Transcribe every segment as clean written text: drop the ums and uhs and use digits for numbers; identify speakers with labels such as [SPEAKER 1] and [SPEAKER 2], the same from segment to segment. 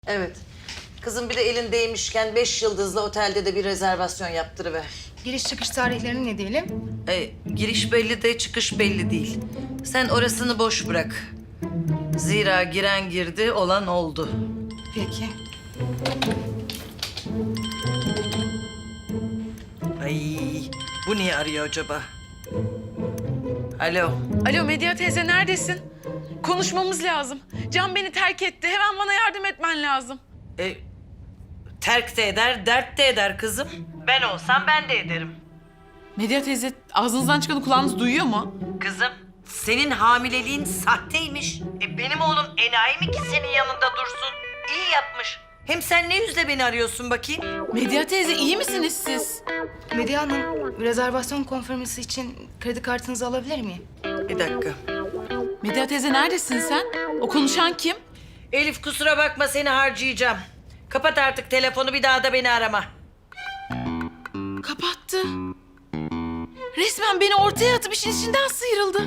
[SPEAKER 1] Evet. Kızım bir de elindeymişken 5 yıldızlı otelde de bir rezervasyon yaptırıver.
[SPEAKER 2] Giriş çıkış tarihlerini ne diyelim?
[SPEAKER 1] Giriş belli de çıkış belli değil. Sen orasını boş bırak. Zira giren girdi, olan oldu.
[SPEAKER 2] Peki.
[SPEAKER 1] Ay, bu niye arıyor acaba? Alo.
[SPEAKER 3] Alo Medya teyze neredesin? Konuşmamız lazım. Can beni terk etti. Hemen bana yardım etmen lazım.
[SPEAKER 1] Terk de eder, dert de eder kızım. Ben olsam ben de ederim.
[SPEAKER 3] Medya teyze ağzınızdan çıkanı kulağınız duyuyor mu?
[SPEAKER 1] Kızım, senin hamileliğin sahteymiş. Benim oğlum enayi mi ki senin yanında dursun? İyi yapmış. Hem sen ne yüzle beni arıyorsun bakayım?
[SPEAKER 3] Medya teyze iyi misiniz siz?
[SPEAKER 2] Medya Hanım, rezervasyon konfirması için kredi kartınızı alabilir miyim?
[SPEAKER 1] Bir dakika.
[SPEAKER 3] Medya teyze neredesin sen? O konuşan kim?
[SPEAKER 1] Elif kusura bakma seni harcayacağım. Kapat artık telefonu, bir daha da beni arama.
[SPEAKER 3] Kapattı. Resmen beni ortaya atıp işin içinden sıyrıldı.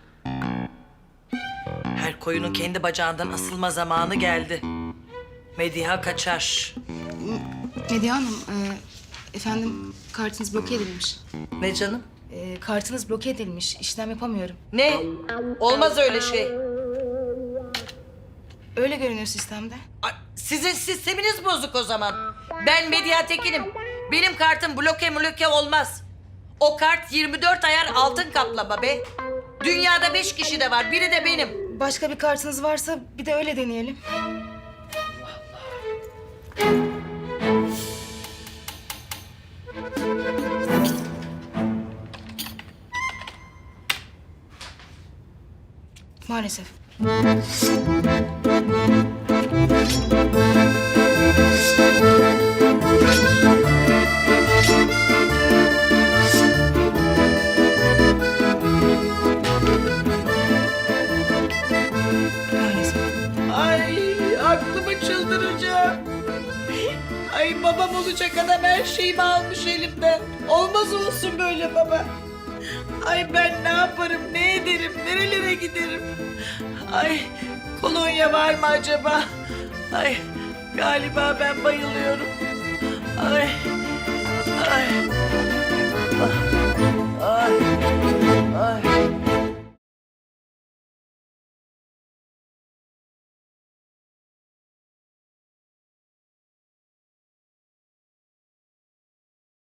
[SPEAKER 1] Her koyunun kendi bacağından asılma zamanı geldi. Mediha kaçar.
[SPEAKER 2] Medya Hanım, efendim kartınız bloke edilmiş.
[SPEAKER 1] Ne canım?
[SPEAKER 2] Kartınız bloke edilmiş, işlem yapamıyorum.
[SPEAKER 1] Ne? Olmaz öyle şey.
[SPEAKER 2] Öyle görünüyor sistemde.
[SPEAKER 1] Ay, sizin sisteminiz bozuk o zaman. Ben Medya Tekin'im. Benim kartım bloke olmaz. O kart 24 ayar altın kaplama be. Dünyada 5 kişi de var, biri de benim.
[SPEAKER 2] Başka bir kartınız varsa bir de öyle deneyelim. Maalesef. Maalesef.
[SPEAKER 1] Ay aklımı çıldıracağım. Ay babam olacak adam her şeyimi almış elimden. Olmaz olsun böyle baba. Ay ben ne yaparım, ne ederim, nerelere giderim? Ay kolonya var mı acaba? Ay galiba ben bayılıyorum. Ay, ay. Ah.